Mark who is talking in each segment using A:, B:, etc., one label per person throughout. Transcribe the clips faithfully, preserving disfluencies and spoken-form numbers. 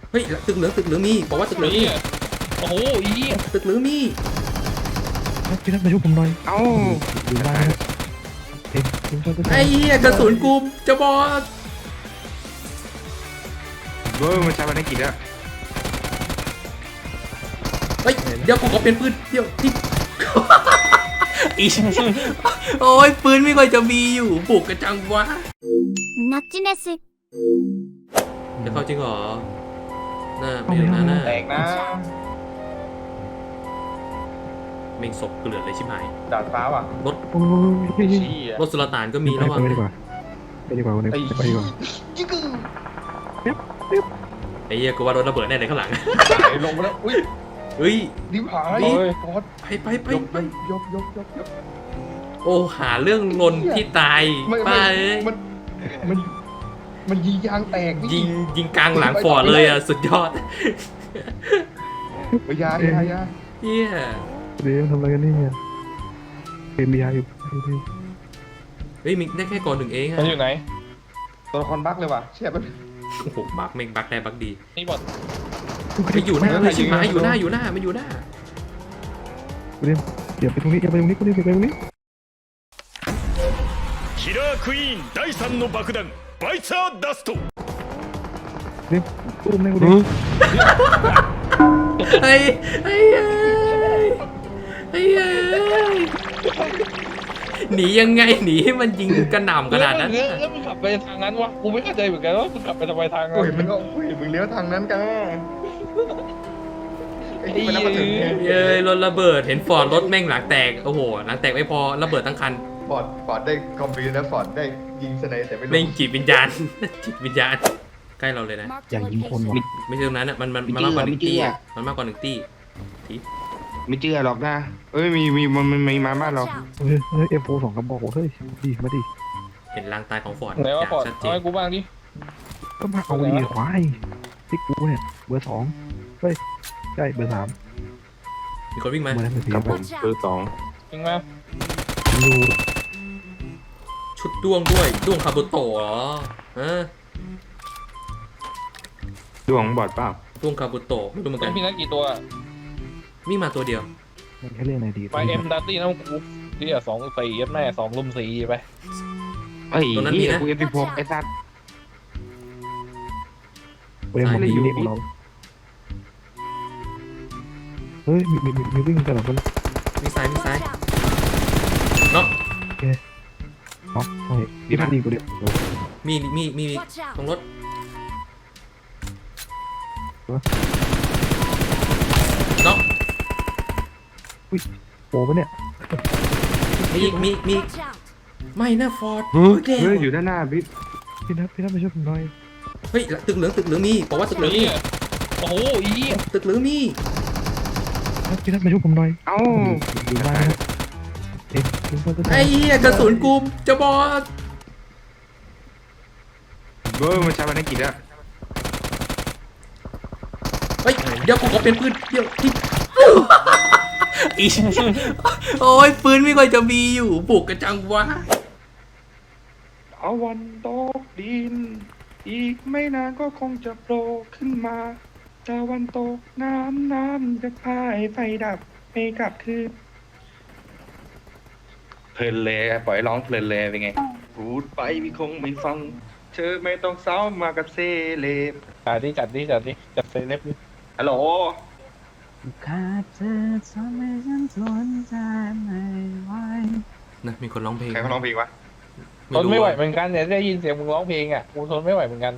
A: เฮ้ยตึกเหลืองตึกเหลืองมีบอกว่าตึกเหลืองมี
B: โอ้โหอี
A: ตึกเหลืองมี
C: พี่นัทมาช่วยผมหน่อย
D: เอ้า
C: อยู่บ้านเอ็ม
A: ไอ้เหี้ยกระสุนกูจะบอด
D: เบอร์มันใช้ภารกิจแล้ว
A: เฮ้ยเดี๋ยวกูขอเปลี่ยนปืนเดี๋ยวที่อีโอ้ยปืนไม่ค่อยจะมีอยู่บุกกระจังวะ
E: ナッチネス
A: จะเข้าจริงเหรอหน้าไม่ถึงหน้าหน้า
B: แตกนะ
A: เมงศพเกลือเลยชิบหาย
B: ดาดฟ้าว่ะ
A: รถ
C: โอ้ย
B: ชี้อ่ะ
A: รถสุลต่านก็มีแล้ว
C: ไป
A: วะ
C: ดีกว่าไปดีกว่าวันนี้ไปดีกว่า
B: ยิ่งกึ่ง
A: ไอ้เหี้ยกูว่ารถระเบิดแน่เลยข้างหลัง
B: ลงมาแล้วอุ้ย
A: เฮ้ย
B: ดิบหาย
A: นี่
B: กด
A: ไปไปไป
B: ยก
A: ไป
B: ยกยกยกยก
A: โอ้หาเรื่องลนที่ตาย
B: ไม่
A: ป้า
B: ไม่
A: เอ้ย
B: มันมันมันยิงยางแตกนี่
A: ยิงยิงกลางหลังฟอร์ดเลยอ่ะสุดยอด
B: ยายายา
A: เฮีย
C: เดี๋ยวทำอะไรกันนี่เนี่ยเอ็มบีไออยู่
A: เฮ้ยมีได้แค่ก่อนหนึ่งเอง
B: มั
A: ฮะ
B: นอยู่ไหนตัวละครบั๊กเลยว่ะเชี่ยมัน
A: โอ้โหบักเมงบักได้บักดี
B: นี่บอด
A: ไปอยู่หน้าเลยชิบหายอยู่หน้าอยู่หน้ามันอยู่หน้า
C: เดี๋ยวเดี๋ยวไปตรงนี้เดี๋ยวไปตรงนี้กูนี่ไปตรงนี้
F: キラークイーンだいさんの爆弾バイツァーダスト
C: เดี๋ยวอุ้มเลยกูดิ
A: ไอ้ไอ้ไอ้ไอ้หนียังไงหนีให้มันยิงกระหน่ำขนาดนั้น
B: แล้วมึงขับไปทางนั้นวะกูไม่เข้าใจเหมือนกันว่ามึงขับไปทำไมทางนั้น
D: โอ้ยมันก็โอ้ยมึงเลี้ยวทางนั้นกันไอ้ที่มันนับมาถึงเนี่ย
A: เย้ยรถระเบิดเห็นฟอร์ดรถแม่งหลังแตกโอ้โหหลังแตกไม่พอระเบิดทั้งคัน
D: ฟอร์ดฟอร์ดได้คอมบินแล้วฟอร์ดได้ยิงสไนแต่ไม่รู้
A: เล่นจิตวิญญาณ จิตวิญญาณใกล้เราเลยนะ
C: อย่างยิงคนวะ
A: ไม่ใช่ตรงนั้นอ่ะมันมันมันมากกว่าหนึ่งตี้อะมันมากกว่าหนึ่งตี้ที
D: ไม่เชื่อหรอกนะเอ้ยมีมีมันมันมีมาบ้านเรา
C: เฮ้ยเฮ้ยเอ็มโฟสองกระบอกเฮ้ยดีมาดิ
A: เห็นลางตายของฟอร์ด
B: ไหนว่า
A: อย่าง
B: ปอด
A: ชัดเจ
B: เอา
A: น
B: ให้กูบ้างดิ
C: ก็มาเอาดีควายที่กูเนี่ยเบอร์สองเฮ้ยใช่เบอร์สาม
A: มีคนวิ่งมา
C: เบอร์นั้นเบอร์สี่
D: ครับผมเบอร์สอง
B: จริงไหม
C: อยู่
A: ชุดด้วงด้วยด้วงคาบุโตะเหรอฮะ
D: ดวงบอดเปล่า
A: ด้วงคาบุโตะไม่รู้เหมือน
B: ต้
A: กั
B: อน งพี่นัทกี่ตัว
A: มีมาตัวเดียว
C: มันแค่เรื่องไหนดี
B: ไปเอ็มดัตตี้นะกูที่อ่ะสองสี่ยัดแม่สองลุมสี่ไป
D: เอ้ยนี่กูเอฟพีพกไอ้สัตว์
C: เอ็มมันดีนี่ของเราเฮ้ยมีมีมีวิ่งกันหรอคน
A: มีซ้ายมีซ้ายเนาะ
C: อ๋อโอเคพี่พัดดีกูเดียว
A: มีมีมีตรงรถเนาะ
C: โอ้ปะเนี่ย
A: มีอีกมีมีไม่นะฟอร์ด
D: เฮ้ย
A: แก
D: เฮ้ยอยู่ด้านหน้าบิ๊ก
C: พี่นัทพี่นัทมาช่วยผมหน่อย
A: เฮ้ยตึกเหลืองตึกเหลืองมีบอกว่าตึกเหลืองมี
B: นี่โอ้โหอี
A: ตึกเหลืองมี
C: พี่นัทมาช่วยผมหน่อย
D: เอ้า
C: อยู่บ้านเอ็ม
A: ไอ้เหี้ยกระสุนกูจะบอด
D: เบอร์มันใช้ภารกิจแล้ว
A: เฮ้ยเดี๋ยวกูขอเปลี่ยนปืนเดี๋ยวที่อีโอ้ยปืนไม่ค่อยจะมีอยู่บุกกระจังวะ
D: ตะวันตกดิน อีกไม่นานก็คงจะโผล่ขึ้นมาตะวันตกน้ำน้ำจะพายไฟดับไม่กลับคืนเพลินเลยปล่อยร้องเพลินเลยเป็นไงพูดไปพี่คงไม่ฟัง เธอไม่ต้องเศร้ามากับเซเลบ
B: จัดดิจัดดิจัดดิจัดเซเลบดิ
D: ฮัลโหล
G: ขาดเธอทำให้ฉันทนใจไม่ไหว
A: นะมีคนร้องเพลง
D: ใครเขาร้องเพลงวะ
B: ทนไม่ไหวเหมือนกันเนี่ยได้ยินเสียงมึงร้องเพลงอ่ะกูทนไม่ไหวเหมือนกัน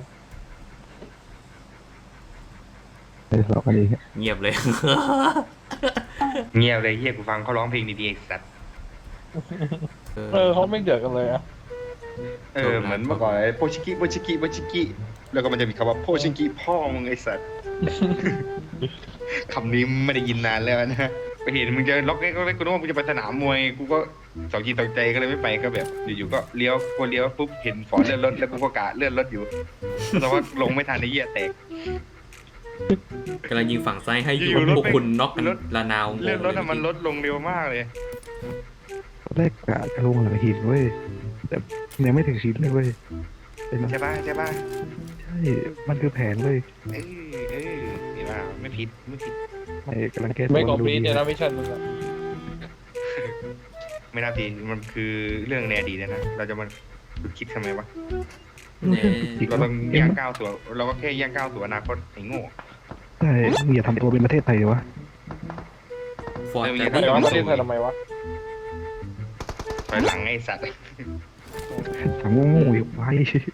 C: เดี๋ยวเรากันเอง
A: เงียบเลย
D: เงียบเลยเฮียกูฟังเขาร้องเพลงดีๆไอ้สัตว์
B: เออเขาไม่เดือดกันเลยอ่ะ
D: เออเหมือนเมื่อก่อนไอ้โพชิกิโพชิกิโพชิกิแล้วก็มันจะมีคำว่าโพชิกิพ่อมึงไอ้สัตว์ คำนี้ไม่ได้ยินนานแล้วนะไปเห็นมึงจะล็อกไอ้ก็ไม่กูนึกว่ามึงจะไปสนามมวยกูก็สองจีตองใจก็เลยไม่ไปก็แบบอยู่ๆก็เลี้ยวกูเลี้ยวปุ๊บเห็นฝอนเลื่อนรถแล้วกูก็กะเลื่อนรถอยู่แต่ว่าลงไม่ทันไอ้เหี้ยแตก
A: กำลังยิงฝั่งซ้ายให้
D: อยู่
A: อยู่
D: รถ
A: พวกคุณน็อกกัน
D: รถ
A: ละนาว
D: เลื่อนรถอะมันลดลงเร็วมากเลย
C: แรกกะจะลงหลังหินเว้ยแต่ยังไม่ถึงชิ้นเลยเว้ย
D: ใช่ป่ะใช่ป่ะ
C: ใช่ มันคือแผนเว้ย
D: เอ้ยเอ้ยอ่าไม่ผิดไม่ผิด
C: ไม่กำลังแก้
B: ไม่
C: ตัว
B: คอมพลีท
C: ดู
B: เนี่ยนะมิชชั่นมึงอะ
D: ไม่น่าผิดมันคือเรื่องในอดีตนะเราจะมาคิดทำไมวะ
A: เนี่ย
D: เราต้องย่างก้าวสู่เราก็แค่ย่างก้าวสู่อนาคตไอ้โง่
C: ใช่มึงอย่าทำตัวเป็นประเทศไทยวะ
A: ฟอร์ด
D: เออ
A: แต่
D: อย่า
B: แต่
A: ที่
B: ว่าประเทศไทยทำไมวะ
D: ถอยหลังไอ้สัตว์
C: ถามโง่ๆอยู่ไว้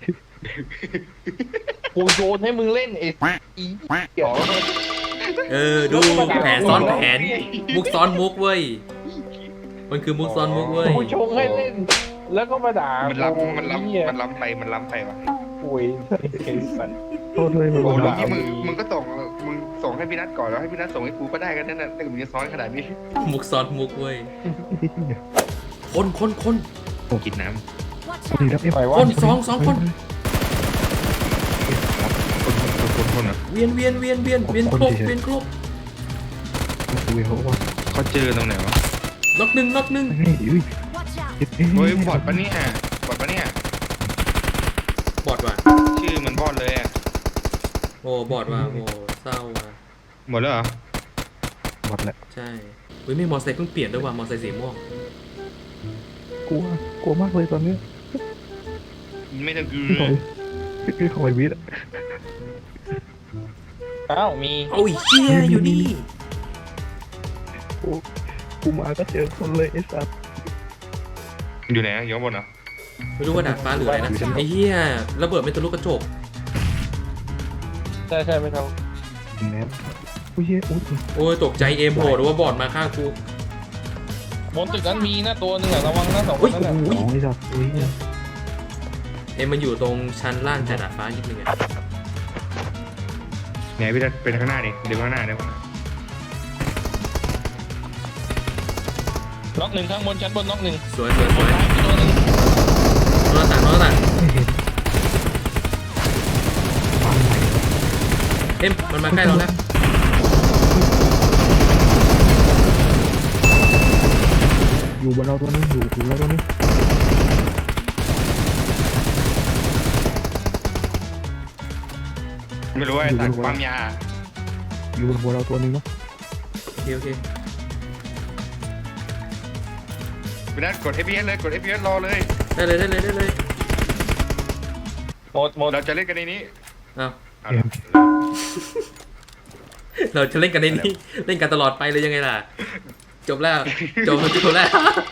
B: กูโยนให้มึงเล่นไอ้อีเดี๋ยว
A: เออดูแผนซ้อนแผนมุกซ้อนมุกเว้ยมันคือมุกซ้อนมุกเว้ย
B: กูชงให้เล่น แล้วก็มาด่า
D: มันล้ำมันล้
B: เหี้ย
D: ำมันล้ำไปมันล้ำไปวะ
B: ป่วยไอ้สัตว์
C: โทษด้วยมึง
D: โอ้
C: โด
D: แล้ว
C: น
D: ที่มึงมึงก็ส่งมึงส่งให้พี่นัทก่อนแล้วให้พี่นัทส่งให้กูก็ได้กันนั่นน่ะแต่มึงจะซ้อนขนาดนี้
A: มุกซ้อนมุกเว้ยคนคนคน
D: กินน้
C: ดีรับเอ็ม
B: ไปวะ
A: คนสองสองคน
D: ำคนคนคนคนอ่ะ
A: เวียนเวียนเวียนเวียนเวียนครบเวียนครบ
C: คุยเขาว่า
D: เขาเจอตรงไหนวะ
A: น็อกหนึ่งน็อกหนึ่ง
C: เฮ้ยอุ้ย
D: เฮ้ยบอดปะเนี่ยบอดปะเนี่ย
A: บอดว่ะ
D: ชื่อมันบอดเลยอ่ะ
A: โอ้บอดว่ะโอ้เศร้าว่ะ
D: หมดแล้วเหรอ
C: หมดแล้ว
A: ใช่เฮ้ยไม่มอไซค์เพิ่งเปลี่ยนด้วยว่ะมอไซค์สีม่วง
C: กลัวกลัวมากเลยตอนนี้
D: ไม่ต้องกู
C: พี่คอยพี่คอยวิทย์
B: อ้าวมี
A: โอ้ยเชี่ยอยู่นี่
C: กูกูมาก็เจอคนเลยไอ้สัตว์
D: อยู่ไหนอยู่ข้างบนเหรอ
A: ไม่รู้ว่าดาดฟ้าหรืออะไรนะไอ้เหี้ยระเบิดเป็นทะลุกระจก
B: ใช่ใช่ไม่เท่า
C: แนบอุ้ยเฮ้ยอุ้ย
A: โอ้ยตกใจเอมโผล่หรือว่าบอดมาข้างกู
B: บนตึกนั้นมีนะตัวหนึงอะระวังนะสองค
A: อุ้ย
B: นนั้น
A: โอ้
B: อะ
A: โห
C: สองไอ้สัตว์อุ้ย
A: เอ็มมันอยู่ตรงชั้นล่างจากดาดฟ้านิดนึงอะ
D: ไหนพี่นัทเป็นข้างหน้าดิเดี๋ยวข้างหน้าเดี๋ยว
B: น็อกหนึ่งข้างบนชั้นบนน็อกหนึ่ง
A: สวยสวยสวย
B: ซ้ายมีตัวหนึง
A: นอนต่างนอนต่าง
C: ไม่เห็นฟังไหน
A: เอ็มมันมาใกล้เราแล้ว
C: อยู่บนเราตัวนึงอยู่ถูกแล้วตัวนึง
D: ไม่รู้ว่าไอ้สัตว์ความยา
C: อยู่บนหัวเราตัวนึงเนาะ
A: โอเคโอเค
D: พี่นัทกด เอฟ พี เอส เลยกด เอฟ พี เอส รอเลย
A: ได้เลยได้เลยได้เลย
B: หมดหมด
D: เราจะเล่นกันในนี้
A: อ้าว
D: เอาละ
A: เราจะเล่นกันในนี้เล่นกันตลอดไปเลยยังไงล่ะ จบแล้วจบจบแล้ว